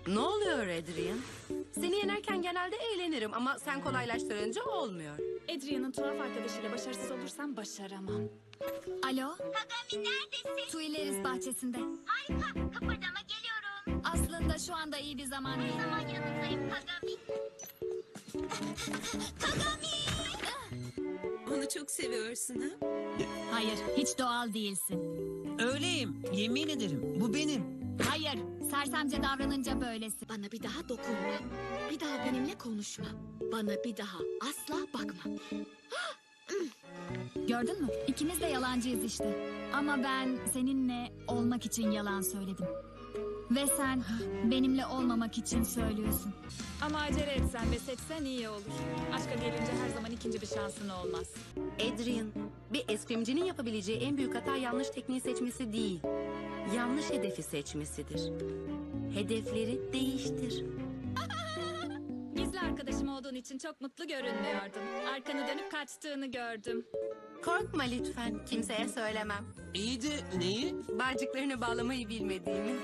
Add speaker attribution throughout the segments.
Speaker 1: Ne oluyor Adrian? Seni yenerken genelde eğlenirim ama sen kolaylaştırınca olmuyor.
Speaker 2: Adrian'ın tuhaf arkadaşıyla başarısız olursam başaramam.
Speaker 3: Alo,
Speaker 4: Kagami neredesin?
Speaker 3: Tuileries bahçesinde.
Speaker 4: Harika. Kıpırdama geliyorum.
Speaker 3: Aslında şu anda iyi bir zaman
Speaker 4: Ne
Speaker 3: değil.
Speaker 4: zaman yanındayım Kagami? Kagami!
Speaker 5: Onu çok seviyorsun ha?
Speaker 3: Hayır, hiç doğal değilsin.
Speaker 6: Öyleyim. Yemin ederim. Bu benim.
Speaker 3: Hayır, sersemce davranınca böylesin.
Speaker 7: Bana bir daha dokunma. Bir daha benimle konuşma. Bana bir daha asla bakma.
Speaker 3: Gördün mü? İkimiz de yalancıyız işte. Ama ben seninle olmak için yalan söyledim. Ve sen benimle olmamak için söylüyorsun.
Speaker 2: Ama acele etsen ve seçsen iyi olur. Aşka gelince her zaman ikinci bir şansın olmaz.
Speaker 1: Adrian, bir eskrimcinin yapabileceği en büyük hata yanlış tekniği seçmesi değil. Yanlış hedefi seçmesidir. Hedefleri değiştir.
Speaker 2: Gizli arkadaşım olduğun için çok mutlu görünmüyordun. Arkanı dönüp kaçtığını gördüm.
Speaker 1: Korkma lütfen, kimseye söylemem.
Speaker 6: İyi de neyi?
Speaker 1: Bağcıklarını bağlamayı bilmediğimi.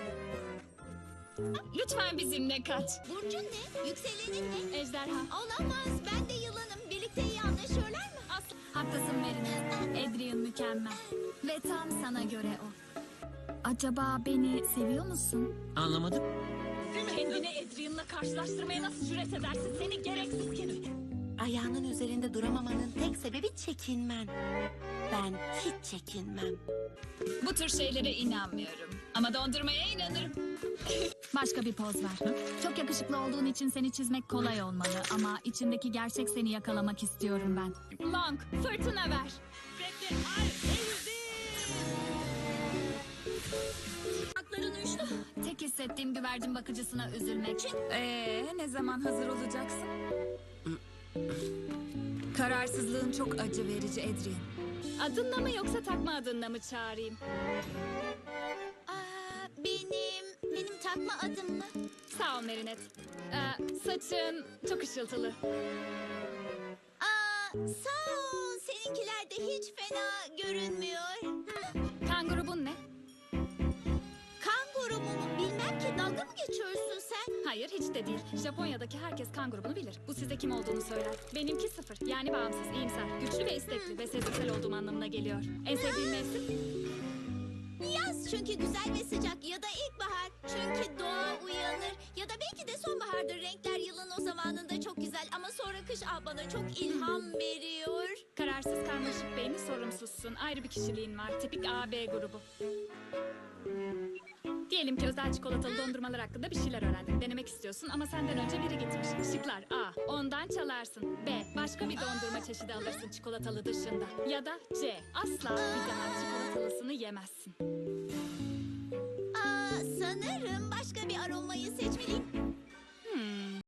Speaker 3: Lütfen bizimle kaç.
Speaker 4: Burcun ne? Yükselenin ne?
Speaker 2: Ejderha.
Speaker 4: Olamaz. Ben de yılanım. Birlikte iyi anlaşıyorlar mı?
Speaker 3: Haklısın Merine. Adrian mükemmel. Ve tam sana göre o. Acaba beni seviyor musun?
Speaker 6: Anlamadım.
Speaker 2: Kendini Adrian'la karşılaştırmaya nasıl cüret edersin? Seni gereksiz kedi.
Speaker 1: Ayağının üzerinde duramamanın tek sebebi çekinmen. Ben hiç çekinmem.
Speaker 3: Bu tür şeylere inanmıyorum. Ama dondurmaya inanırım. Başka bir poz ver. Çok yakışıklı olduğun için seni çizmek kolay olmalı. Ama içindeki gerçek seni yakalamak istiyorum ben.
Speaker 2: Long, fırtına ver.
Speaker 3: Tek hissettiğim güvercin bakıcısına üzülmek.
Speaker 2: Ne zaman hazır olacaksın? Kararsızlığın çok acı verici Adrian. Adınla mı yoksa takma adınla mı çağırayım?
Speaker 4: Benim takma adım mı?
Speaker 2: Sağ ol Merinet. Saçın çok ışıltılı.
Speaker 4: Sağ ol. Seninkiler de hiç fena görünmüyor.
Speaker 2: Kan grubun ne?
Speaker 4: Kan grubu mu? Bilmem ki. Dalga mı geçiyorsun sen?
Speaker 2: Hayır hiç de değil. Japonya'daki herkes kan grubunu bilir. Bu size kim olduğunu söyler. Benimki 0. Yani bağımsız, iyimser, güçlü ve istekli ve sezgisel olduğum anlamına geliyor. En sevdiğin mevsim?
Speaker 4: Yaz çünkü güzel ve sıcak ya da ilkbahar çünkü doğa uyanır ya da belki de sonbahardır. Renkler yılın o zamanında çok güzel ama sonra kış bana çok ilham veriyor.
Speaker 2: Kararsız, karmaşık beyni, sorumsuzsun. Ayrı bir kişiliğin var. Tipik AB grubu. Diyelim ki özel çikolatalı dondurmalar hakkında bir şeyler öğrendin. Denemek istiyorsun ama senden önce biri gitmiş. Şıklar: A. Ondan çalarsın. B. Başka bir dondurma çeşidi alırsın çikolatalı dışında. Ya da C. Asla bir daha çikolatalısını yemezsin.
Speaker 4: Sanırım başka bir aromayı seçmeliyim.